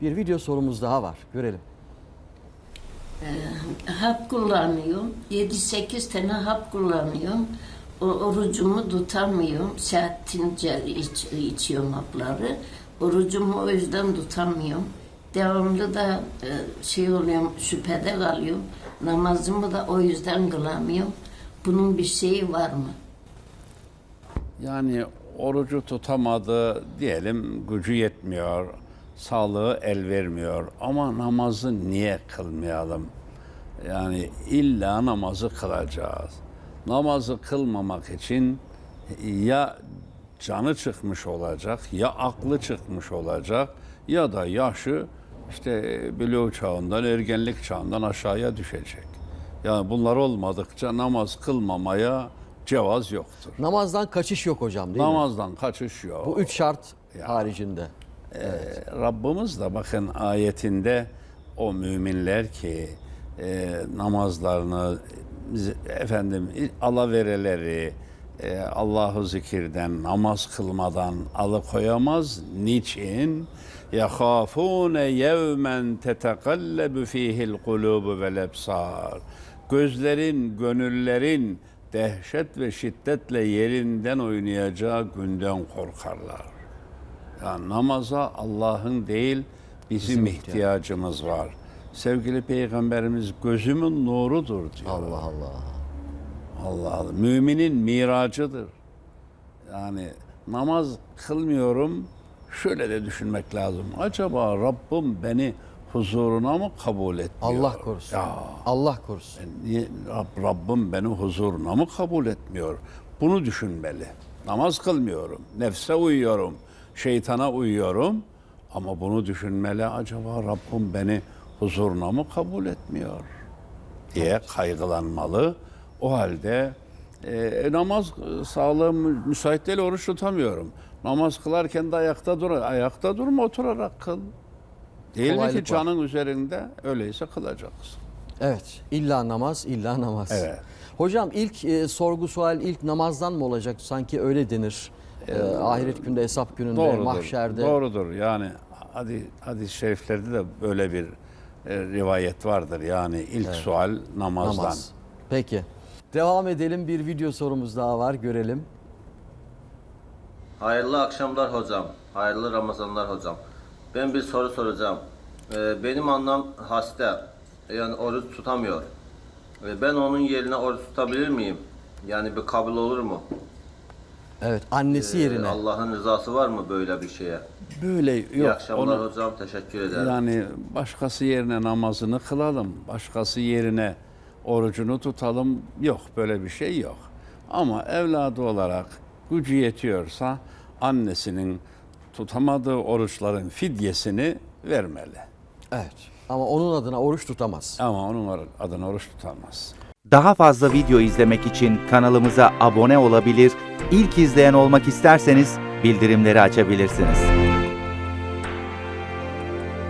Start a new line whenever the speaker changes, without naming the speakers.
Bir video sorumuz daha var. Görelim.
Hap kullanıyorum. 7-8 tane hap kullanıyorum. Orucumu tutamıyorum. Saattince içiyorum hapları. Orucumu o yüzden tutamıyorum. Devamlı da oluyorum, şüphede kalıyorum. Namazımı da o yüzden kılamıyorum. Bunun bir şeyi var mı?
Yani orucu tutamadı diyelim, gücü yetmiyor, sağlığı el vermiyor ama namazı niye kılmayalım? Yani illa namazı kılacağız. Namazı kılmamak için ya canı çıkmış olacak, ya aklı çıkmış olacak ya da yaşı işte buluğ çağından, ergenlik çağından aşağıya düşecek. Yani bunlar olmadıkça namaz kılmamaya cevaz yoktur.
Namazdan kaçış yok hocam, değil mi?
Namazdan kaçış yok.
Bu 3 şart haricinde.
Rabbimiz de bakın ayetinde o müminler ki namazlarını alavereleri Allah'ı zikirden, namaz kılmadan alıkoyamaz. Niçin? يَخَافُونَ يَوْمًا تَتَقَلَّبُ ف۪يهِ الْقُلُوبُ وَالْاَبْصَارِ Gözlerin, gönüllerin dehşet ve şiddetle yerinden oynayacağı günden korkarlar. Yani namaza Allah'ın değil bizim ihtiyacımız var. Sevgili Peygamberimiz gözümün nurudur diyor.
Allah Allah.
Allah Allah. Müminin miracıdır. Yani namaz kılmıyorum, şöyle de düşünmek lazım. Acaba Rabbim beni huzuruna mı kabul etmiyor?
Allah korusun.
Ya,
Allah korusun.
niye Rabbim beni huzuruna mı kabul etmiyor? Bunu düşünmeli. Namaz kılmıyorum, nefse uyuyorum, şeytana uyuyorum ama bunu düşünmeli. Acaba Rabbim beni huzuruna mı kabul etmiyor diye kaygılanmalı. O halde namaz sağlığım müsait değil, oruç tutamıyorum. Namaz kılarken de ayakta dur. Ayakta durma, oturarak kıl. Değil mi
Kolaylık
ki canın üzerinde? Öyleyse kılacaksın.
Evet. İlla namaz, illa namaz.
Evet.
Hocam ilk sorgu sual ilk namazdan mı olacak? Sanki öyle denir. Ahiret günde, hesap gününde,
Doğrudur.
mahşerde.
Doğrudur. Yani hadis-i şeriflerde de böyle bir rivayet vardır. Yani ilk sual namazdan.
Namaz. Peki. Devam edelim. Bir video sorumuz daha var. Görelim.
Hayırlı akşamlar hocam. Hayırlı Ramazanlar hocam. Ben bir soru soracağım. Benim annem hasta. Yani oruç tutamıyor. Ben onun yerine oruç tutabilir miyim? Yani bir kabul olur mu?
Evet. Annesi yerine.
Allah'ın rızası var mı böyle bir şeye?
Böyle yok.
İyi akşamlar
Onu-
hocam. Teşekkür ederim.
Yani başkası yerine namazını kılalım, başkası yerine orucunu tutalım. Yok, böyle bir şey yok. Ama evladı olarak gücü yetiyorsa annesinin tutamadığı oruçların fidyesini vermeli.
Evet. Ama onun adına oruç tutamaz.
Ama onun adına oruç tutamaz.
Daha fazla video izlemek için kanalımıza abone olabilir, ilk izleyen olmak isterseniz bildirimleri açabilirsiniz.